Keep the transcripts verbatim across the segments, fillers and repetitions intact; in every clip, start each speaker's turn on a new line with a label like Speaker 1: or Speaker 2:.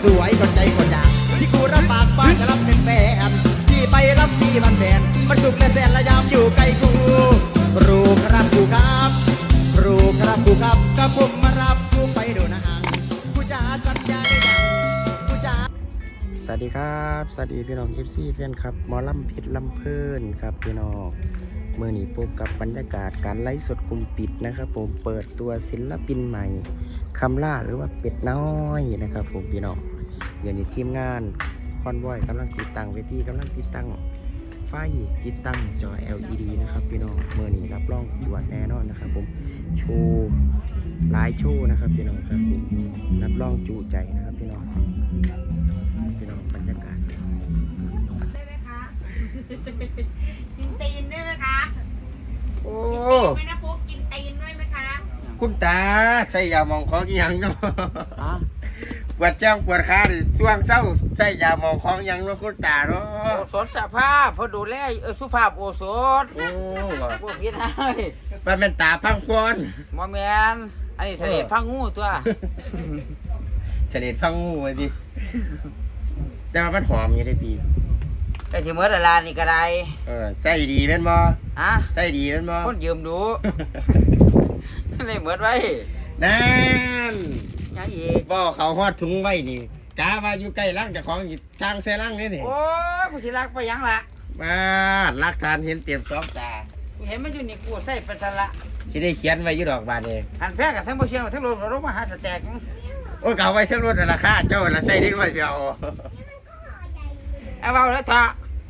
Speaker 1: สวยคนใจคนอยากที่กูรับปากบ้านจะรับเป็นแฟนที่ไปรับมีบันแบนมันสุขและแสนและยามอยู่ใกล้กูรู้ครับกูครับรู้ครับกูครับก็ผมมารับกูไปดูหนังกูจะสัญญาได้ยังกูจะสวัสดีครับสวัสดีพี่น้องเอฟซีแฟนครับหมอลำผิดลำเพลินครับพี่น้องเมื่อนี้พบกับบรรยากาศการไลฟ์สดกลุ่มปิดนะครับผมเปิดตัวศิลปินใหม่คำล่าหรือว่าเป็ดน้อยนะครับผมพี่น้องเดี๋ยวนี้ทีมงานคอนวอยกำลังติดตั้งเวทีกำลังติดตั้งไฟติดตั้งจอ แอล อี ดี นะครับพี่น้องเมื่อนี้รับรองตรวจแน่นอนนะครับผมโชว์หลายโชว์นะครับพี่น้องครับผมรับรองจูใจนะครับพี่น้องพี่น้องบรรยากาศ
Speaker 2: ได้ไหมคะกินตีนได้ไหมคะโอ้ไม่นะฟุกกินตีนด้วยไหมคะ
Speaker 3: คุณตาใส่ยาหมองของยังเนาะปวดจ้องปวดขาดิช่วงเศร้าใส่ยาหมองของยังเนาะคุณตาเนาะ
Speaker 4: โอสถสภาพพอดูแลเออสุภาพโอสถ
Speaker 3: โอ้
Speaker 4: พวกพี่นาย
Speaker 3: มันเป็นตาพังพร
Speaker 4: มอแมนอันนี้เสด็จพังงูตัว
Speaker 3: เสด็จพังงูไว้ดิแต่ว่ามันหอมอยู่ได้ปี
Speaker 4: แต่ที่เมื่อลานี่ก็ได้
Speaker 3: เออใส่ดีเป็นบ่
Speaker 4: ฮะ
Speaker 3: ใส่ดีเป็นบ่
Speaker 4: คนยืมดูนี่เหมือนไว้
Speaker 3: นั่น
Speaker 4: ยังอีก
Speaker 3: บ่เขาฮอดถุงไว้นี่กาว่าอยู่ใกล้ร่างเจ้าของอยู่ทางเสร่างนี่นี่
Speaker 4: โอ้กูสิรักไปยังละ
Speaker 3: มาลักฐานเห็นเตรียมสองตา
Speaker 4: กูเห็นมันอยู่นี่กูใส่ไปทันละ
Speaker 3: สิได้เขียนไว้อยู่ดอกบานเอง
Speaker 4: หันแพ้กับทั้งบ่เชียงทั้งลมรถมาหาสแต็ก
Speaker 3: โอ้เก่าไว้ทั้งรถราคาเจ้าละใส่ได้ไว้เดียว
Speaker 4: เอาเอาแล้วเถอะ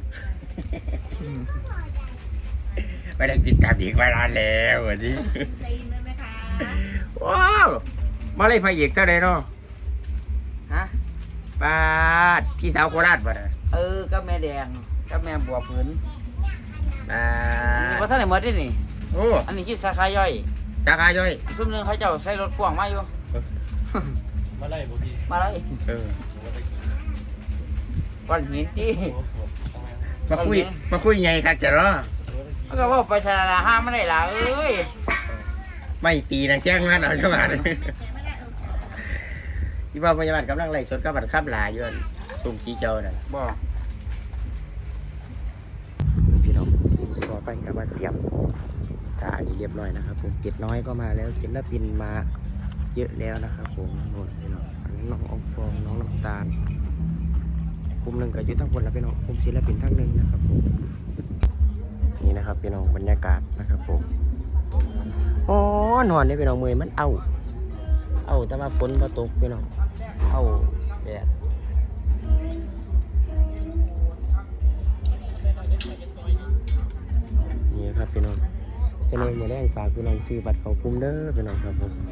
Speaker 3: ไม่ได้จิตกรรมอีกเวลาแล้ววันนี้
Speaker 2: ตีนด้วยไหมคะ
Speaker 3: ว้าวมาเลยพายเอกเท่าไรเนาะ
Speaker 4: ฮะ
Speaker 3: ป้าพี่สาวโคราชป่ะ
Speaker 4: เออก็แม่แดงก็แม่บัวผืน
Speaker 3: อ่า
Speaker 4: นี่พอท่านไหนหมดดินี่
Speaker 3: โอ้
Speaker 4: อันนี้คิดสาขาย่อย
Speaker 3: สาขาย่อย
Speaker 4: ซุ่มนึงเขาเจ้าใส่รถพ่วงมาอยู่
Speaker 3: มาไล่บุรี
Speaker 4: มาไล่
Speaker 3: เออ
Speaker 4: ก้อนหินที่
Speaker 3: มาคุยมาคุยไงครับเจ้าเนาะ
Speaker 4: มันก็ว่าไปชนะห้ามไม่ได้ละเอ้ย
Speaker 3: ไม่ตีนะแช่งนั่นเอาจังหวะนี้ที่ว่าพยาบาลกำลังไล่สดกับบัตรข้ามลายอยู่สุ่มสีเขียวน่ะ
Speaker 4: บ่
Speaker 3: พี่น้องทีมที่บอไปกับมาเตรียมถ่ายนี้เรียบร้อยนะครับผมเป็ดน้อยก็มาแล้วศิลปินมาเยอะแล้วนะครับผมนู่นพี่น้องน้ององฟองน้องน้ำตาลกลุ่มหนึ่งก็อยู่ทั้งคนแล้วพี่น้องกลุ่มศิลปินทั้งหนึ่งนะครับผมนี่นะครับพี่น้องบรรยากาศนะครับผมโอ้นอนนี่พี่น้องมือมันเอาเอาแต่ว่าฝนมาตกพี่น้องเอาแดดนี่ครับพี่น้องจะเลยมือแรงฝากพี่น้องซื้อบัตรของกลุ่มเด้อพี่น้องครับผม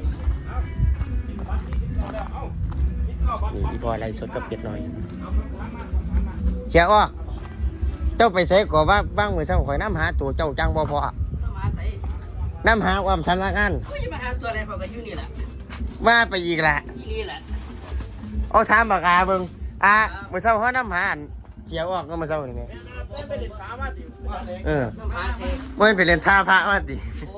Speaker 3: นี่อีบอยไล่สดกับเป็ดหน่อยเชียร์อ้อเจ้าไปใส่ก่อบ้างบ้างมือเช้าข่อยน้ำหาตัวเจ้าจังบ่พอน้ำหาความสำนักงาน
Speaker 4: มาหาตัวอะไรเขาก็อยู่นี่แหละ
Speaker 3: ว่าไปอีกแหละ
Speaker 4: นี่แหละ
Speaker 3: เอาถามปากกาเบิ่งอ่ะมือเช้าเขาน้ำหาเชียร์อ้อก็มือเช้านี่ไงเออมันไปเล่นท่าพระมาดิ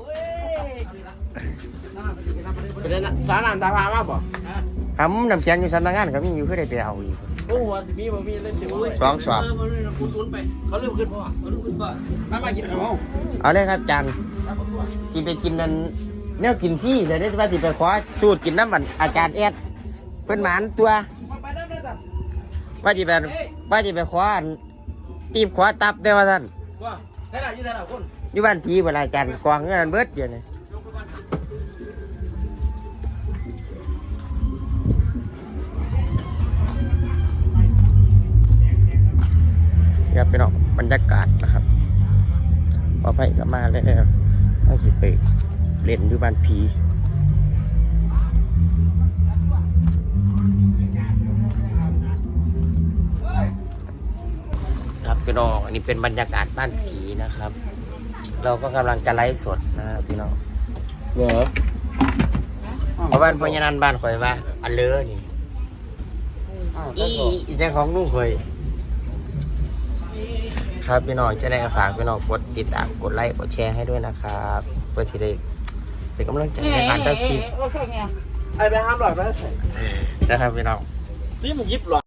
Speaker 4: ไปเล่นสารน้ำตาพามาบ่
Speaker 3: ทำน้ำเชียงอยู่สำนักงานก็มีอยู่เพื่อได้ไปเอาอีก
Speaker 4: โอ้โหมีบ่มีเล่น
Speaker 3: สองสอง
Speaker 4: เขาเริ่มขึ้นพ่อเขาเริ่มขึ้นพ่อมาไปกินข้าว
Speaker 3: เอาเลยครับจันที่ไปกินนั่นแนวกินที่เลยได้ว่าที่ไปขอตูดกินน้ำมันอาจารย์แอดเพิ่นหมานตัวว่าที่ไปว่าที่ไปขอตีบขอตับได้ว่าท่าน
Speaker 4: ใช่ไหมอยู่ไหนล่ะคุณ
Speaker 3: อยู่บ้านทีเวลาอาจารย์กวางเงินเบิดเยอะเลยครับเป็นบรรยากาศนะครับพอไปกลับมาแล้วก็สิไปเล่นอยู่บ้านผีครับพี่น้องอันนี้เป็นบรรยากาศบ้านผีนะครับ เราก็กำลังจะไลฟ์สดนะครับพี่น้องเหรอเพราะบ้านพญานันบ้านข่อยว่าอันเลอนี่อีอีเจ้าของลุงข่อยครับพี่น้องจะได้ฝากพี่น้องกดติดตามกดไลค์กดแชร์ให้ด้วยนะครับเพื่อที่ได้เป็นกำลังใจในการทำคลิป
Speaker 4: ไอ้ไปห้ามหลอดไปใส่
Speaker 3: นะครับพี่น้อง
Speaker 4: นี่มันยิบหรอ